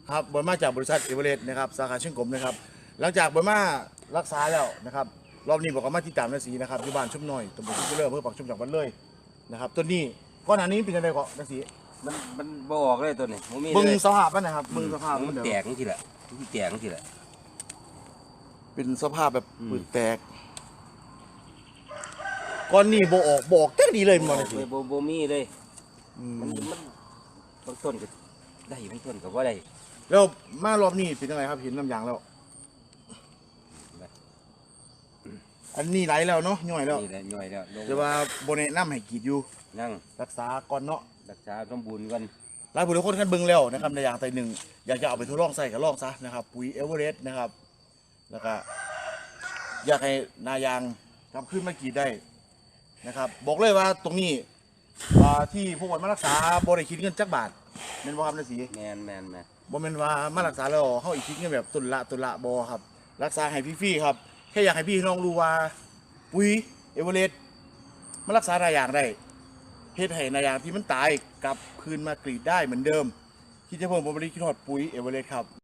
ครับบอยมาจากบริษัทเอเวอเรสต์นะครับสาขาเชียงกงนะครับหลังจากบอยมารักษาแล้วนะครับรอบนี้บอกว่ามาที่ตามนาสีนะครับอยู่บ้านชุ่มน้อยตำบลชุ่มเจริญอำเภอปากชุ่มจังหวัดเลยนะครับต้นนี้ก้อนอันนี้เป็นยังไงก่อนนาสีมันบ่ออกเลยตัวนี้มันมีเบิ้งเลยสภาพมันนะครับเบิ้งสภาพมันเดี๋ยวแตกนี่ทีละมันแตกนี่ทีละเป็นสภาพแบบปืนแตกก้อนนี้โบออกแค่ดีเลยมันนาสีบ่มีเลยมันบางต้นก็ได้บางต้นก็บ่ได้แล้วมารอบนี้เป็นยังไงครับเห็นน้ำยางแล้วอันนี้ไหลแล้วเนาะย่อยแล้วนี่แหละย่อยแล้วลงแต่ว่าโบแนะนำให้กรีดอยู่นั่งรักษาก่อนเนาะรักษาสมบูรณ์ก่อนหลายผู้หลายคนกันเบิ่งแล้วนะครับในอย่างใดหนึ่งอยากจะเอาไปทดลองใส่ก็ลองซะนะครับปุ๋ยเอเวอเรสต์นะครับแล้วก็อยากให้นายางกลับขึ้นมากรีดได้นะครับบอกเลยว่าตรงนี้ที่พวกมันมารักษาบริคิดเงินจักบาทเป็นบ่ครับนายสีแมนบ่แม่นว่ามารักษาแล้วเฮาอีกคิดเงินแบบตุละบ่ครับรักษาให้ฟรีๆครับแค่อยากให้พี่น้องรู้ว่าปุ๋ยเอเวอเรสต์มันรักษานายางได้เฮ็ดให้นายางที่มันตายกลับคืนมากรีดได้เหมือนเดิมคิดจะเพิ่มผลผลิตคิดฮอดปุ๋ยเอเวอเรสต์ครับ